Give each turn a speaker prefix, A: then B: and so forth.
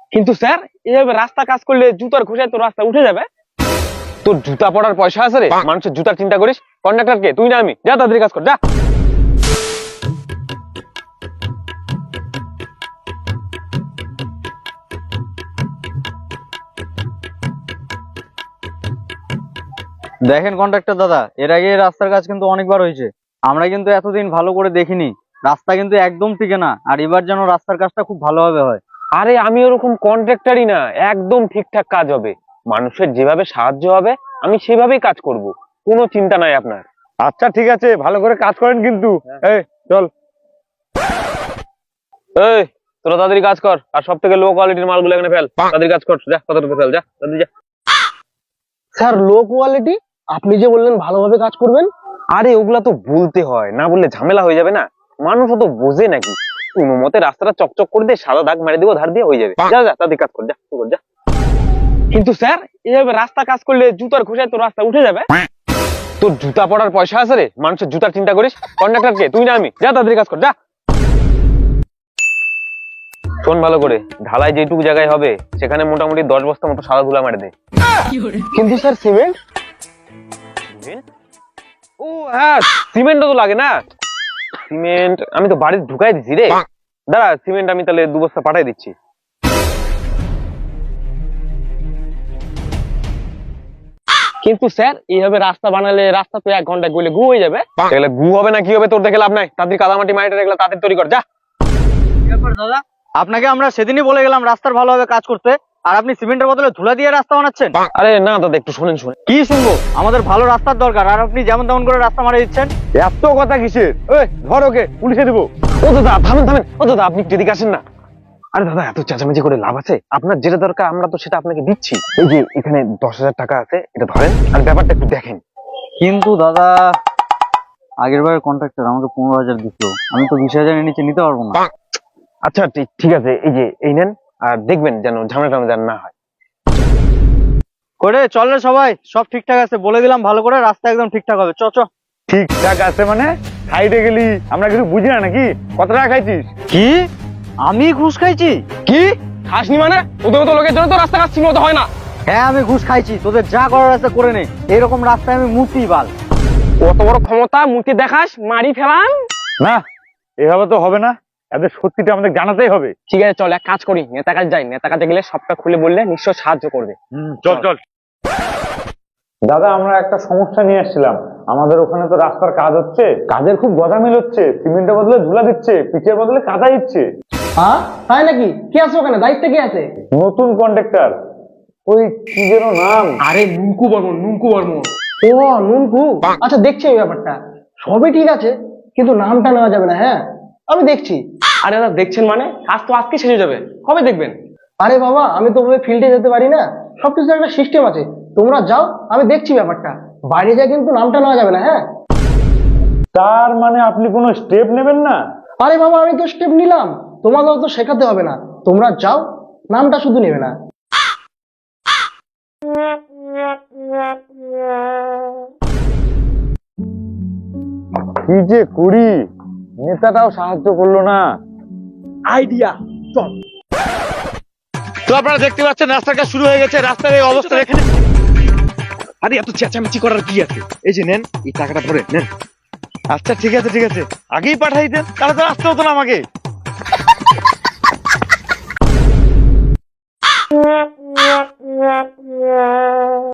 A: কিন্তু স্যার এইভাবে রাস্তা কাজ করলে জুতার খোসায় তো রাস্তা উঠে যাবে। তোর জুতা পড়ার পয়সা আছে রে? মানুষের জুতার চিন্তা করিস? কন্ডাক্টর কে, তুই না আমি? যা তাড়াতাড়ি কাজ কর, যা।
B: দেখেন কন্ট্রাক্টর দাদা, এর আগে এই রাস্তার কাজ কিন্তু অনেকবার হয়েছে। আমরা কিন্তু এতদিন ভালো করে দেখিনি, রাস্তা কিন্তু একদম টিকে না। আর এবার যেন রাস্তার কাজটা খুব ভালোভাবে হয়।
A: আরে আমি ওরকম কন্ট্রাক্টরই না, একদম ঠিকঠাক কাজ হবে। মানুষের যেভাবে সাহায্য হবে আমি সেভাবেই কাজ করব, কোনো চিন্তা নাই আপনার।
C: আচ্ছা ঠিক আছে, ভালো করে কাজ করেন কিন্তু। এই চল।
A: এই তোরা তাড়াতাড়ি কাজ কর, আর সব থেকে লো কোয়ালিটির মালগুলো এখানে ফেল। তাড়াতাড়ি কাজ কর, যা কতটুকু ফেল, যা তাড়াতাড়ি যা।
D: Sir low quality? আপনি যে বললেন ভালোভাবে কাজ করবেন।
A: আরে ওগুলা তো বলতে হয়, না বললে ঝামেলা হয়ে যাবে না। মানুষ তো বোঝে নাকি? কোনো মতে রাস্তাটা চকচক করে দিয়ে সাদা দাগ মেরে দিব, ধার দিয়ে হয়ে যাবে। যা যা তাড়াতাড়ি কাজ কর, যা শুরু কর, যা। কিন্তু স্যার এইভাবে রাস্তা কাজ করলে জুতার খোসায় তো রাস্তা উঠে যাবে। তোর জুতা পড়ার পয়সা আছে রে? মানুষের জুতার চিন্তা করিস? কন্ডাক্টর কে, তুই না আমি? যা তাড়াতাড়ি কাজ কর, যা। শোন ভালো করে, ঢালাই যেটুকু জায়গায় হবে সেখানে মোটামুটি 10 বস্তা মতো সাদা ধুলা মেরে দে।
D: কিন্তু স্যার সিমেন্ট?
A: ও হ্যাঁ, সিমেন্টও তো লাগে না। সিমেন্ট আমি তো বাড়িতে ঢুকাই দিচ্ছি রে। দাঁড়া, সিমেন্ট আমি তাহলে 2 বস্তা পাঠাই দিচ্ছি।
D: কিন্তু স্যার এইভাবে রাস্তা বানালে রাস্তা তো 1 ঘন্টায় গলে গু হয়ে যাবে।
A: এগুলো গু হবে না কি হবে তোর দেখে লাভ নাই। তাড়াতাড়ি কাদামাটি মাটিটা এগুলো তাড়াতাড়ি তৈরি কর, যা।
B: দাদা, আপনাকে আমরা সেদিনই বলে গেলাম রাস্তার ভালোভাবে কাজ করতে, আর আপনি সিমেন্টের বদলে ধুলা দিয়ে রাস্তা বানাচ্ছেন।
A: আরে না দাদা, একটু শোনেন।
B: কি শুনবো? আমাদের ভালো রাস্তার দরকার, আর আপনি যেমন তেমন করে রাস্তা মারা দিচ্ছেন।
C: এত কথা কিসের? ওই ধর ওকে, পুলিশে দেবো।
A: ও দাদা থামেন থামেন, ও দাদা আপনি একটু এদিকে আসেন না। আরে দাদা এত চেঁচামেচি করে লাভ আছে? আপনার যেটা দরকার আমরা তো সেটা আপনাকে দিচ্ছি। এই যে এখানে 10,000 টাকা আছে, এটা ধরেন আর ব্যাপারটা একটু দেখেন।
B: কিন্তু দাদা, আগের বারের কন্ট্রাক্টর আমাকে 15,000 দিছিল, আমি তো 20,000 এর নিচে নিতে পারবো না।
A: আচ্ছা ঠিক আছে, এই যে এই নেন, আর দেখবেন যেন ঝামেলা টামেলা যেন না হয়।
B: করে চল রে সবাই, সব ঠিকঠাক আছে বলে দিলাম, ভালো করে রাস্তা একদম ঠিকঠাক হবে। চ চ।
C: ঠিকঠাক আছে মানে? সাইডে গেলি, আমরা কিছু বুঝি না নাকি? কত টাকা খাইছিস?
B: কি? আমি ঘুষ খাইছি?
A: কি খাসনি মানে? ওদের মতো লোকের জন্য তো রাস্তা কাজ ঠিক মতো হয় না।
B: হ্যাঁ আমি ঘুষ খাইছি, তোদের যা করার আছে করে নে। এইরকম রাস্তায় আমি মুতি বাল।
A: কত বড় ক্ষমতা, মুখে দেখাস, মারি ফেলাম।
C: না, এভাবে তো হবে না। এদের সত্যিটা আমাদের জানাতেই হবে।
A: ঠিক আছে চল এক কাজ করি, নেতা কাছে যাই। নেতা কাছে গেলে সবটা খুলে বললে নিশ্চয় সাহায্য করবে।
C: চল চল। দাদা, আমরা একটা সমস্যা নিয়ে আসছিলাম। আমাদের ওখানে তো রাস্তার কাজ হচ্ছে, কাজের খুব গজামিল হচ্ছে। সিমেন্টের বদলে ধুলা দিচ্ছে, পিচের বদলে কাদা দিচ্ছে।
D: হ্যাঁ তাই নাকি? কি আছে ওখানে? দায়িত্বে কি আছে?
C: নতুন কন্ট্রাক্টর, ওই কি যেন নাম।
D: আরে নুনকু বর্মন, নুনকু বর্মন। ও নুনকু, আচ্ছা দেখছি এই ব্যাপারটা। সবই ঠিক আছে, কিন্তু নামটা নেওয়া যাবে না। হ্যাঁ আমি দেখছি।
A: আরে দাদা দেখছেন মানে? কাজ তো আজকে শেষ হয়ে যাবে, কবে দেখবেন?
D: আরে বাবা, আমি তো ওভাবে ফিল্ডে যেতে পারি না। সবকিছু একটা সিস্টেম আছে। তোমরা যাও, আমি দেখছি ব্যাপারটা। বাইরে যা কিন্তু নামটা নেওয়া যাবে না। হ্যাঁ
C: তার মানে আপনি কোনো স্টেপ নেবেন না?
D: আরে বাবা, আমি তো স্টেপ নিলাম, তোমাদেরও তো শেখাতে হবে না। তোমরা যাও, নামটা শুধু নেবে না।
C: কি যে করি, নেতাটাও সাহায্য করলো না।
D: আইডিয়া, চল।
A: তো আপনারা দেখতে পাচ্ছেন রাস্তার কাজ শুরু হয়ে গেছে। রাস্তার এই অবস্থা এখানে। আরে এত চেঁচামেচি করার কি আছে? এই যে নেন, এই টাকাটা ধরে নেন।
C: আচ্ছা ঠিক আছে, আগেই পাঠাই দেন, তাহলে তো আসতে হতো না আমাকে।